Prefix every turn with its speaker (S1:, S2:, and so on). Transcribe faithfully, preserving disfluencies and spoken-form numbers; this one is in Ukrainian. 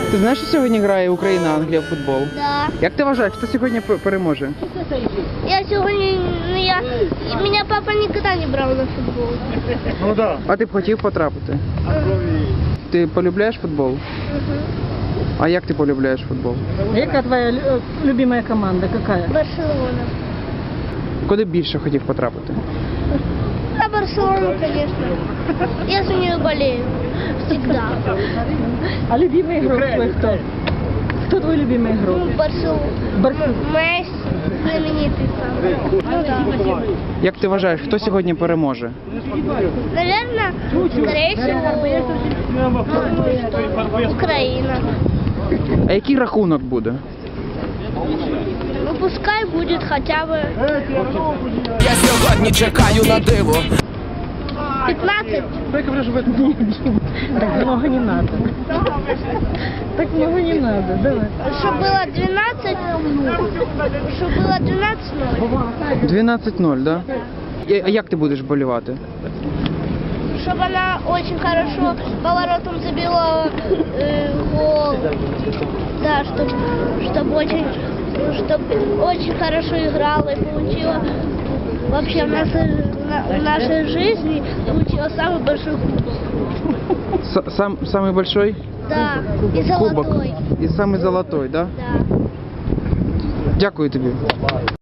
S1: Ти знаєш, що сьогодні грає Україна-Англія в футбол?
S2: Да.
S1: Як ти вважаєш, хто сьогодні п- переможе?
S2: Я сегодня, ну я, меня папа никогда не брал на футбол.
S3: Ну да.
S1: А ти б хотів потрапити? Ти полюбляєш футбол? А як ти полюбляєш футбол?
S4: Яка твоя лю- любимая команда? Какая?
S2: Барселона.
S1: Куди б більше хотів потрапити?
S2: На Барселону, конечно. Я за нее болею. Всегда.
S4: А любимый игрок твой кто? Кто твой любимый игрок?
S2: Ну, Барселона.
S4: Барселона.
S2: Месси, знаменитый сам. Ну да.
S1: Як ти вважаєш, хто сьогодні переможе?
S2: Наверное, скорее всего, думаю, что Украина.
S1: А який рахунок буде?
S2: Ну, пускай будет хотя бы
S5: Я сьогодні чекаю на диво.
S2: пятнадцать.
S4: Так много не надо. Так много не надо. Давай.
S2: Чтобы было двенадцать, чтобы было двенадцать ноль.
S1: дванадцять нуль, да? І- А як ти будеш болівати?
S2: Чтобы она очень хорошо поворотом забила э, гол. Да, чтобы, чтобы очень, чтобы очень хорошо играла и получила вообще в нашей, на- в нашей жизни получила самый большой кубок.
S1: С- Сам, самый большой
S2: Да, и
S1: кубок?
S2: золотой.
S1: І самий золотой, да?
S2: Да.
S1: Дякую тобі.